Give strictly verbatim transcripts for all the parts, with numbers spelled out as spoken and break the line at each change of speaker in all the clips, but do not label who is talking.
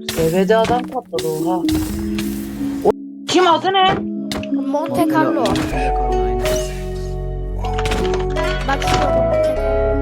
Devede adam patladı oha. O kim adı ne?
Monte Carlo. Bak şurada Monte Carlo.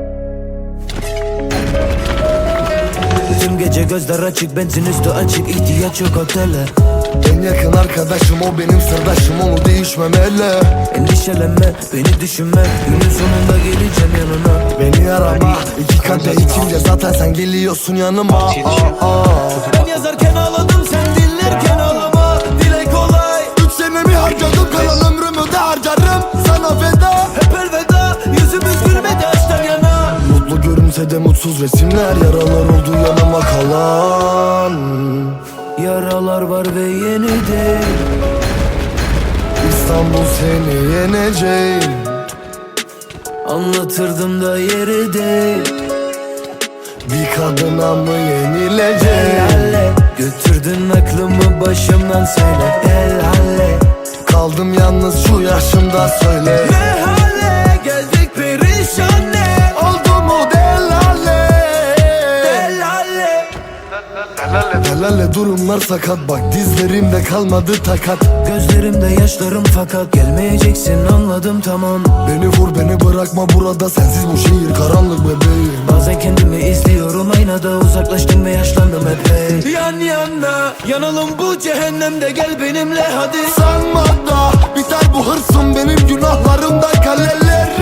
Tüm gece gözler açık, benzin üstü açık, ihtiyaç yok otele.
En yakın arkadaşım o benim sırdaşım, onu değişmemeli.
Endişelenme, beni düşünme, günün sonunda geleceğim yanına.
Beni arama, iki kadeh içince zaten sen geliyorsun yanıma. Aa, aa.
Ben yazarken ağladım, sen dinlerken ağlama. Dile kolay.
Üç senemi harcadım, kalan ömrümü de harcarım sana feda.
Hep elveda, yüzümüz gülmedi açtan yana.
Mutlu görünse de mutsuz resimler, yaralar oldu yanıma kalan.
Yaralar var ve yeni değil.
İstanbul seni yenecek.
Anlatırdım da yeri değil.
Bir kadına mı yenilecek?
Helalle, götürdün aklımı başımdan söyle. Helalle,
Kaldım yalnız şu yaşımda söyle.
ne hale geldik perişan ne?
Oldu mu delale?
Helalle.
Helale durumlar sakat, bak dizlerimde kalmadı takat.
Gözlerimde yaşlarım fakat gelmeyeceksin, anladım tamam.
Beni vur beni bırakma burada, sensiz bu şehir karanlık bebeğim.
Bazen kendimi izliyorum aynada, uzaklaştım ve yaşlandım epey. Yan yana yanalım bu cehennemde, gel benimle hadi.
Sanma da biter bu hırsım benim günahlarımdan kaleleri.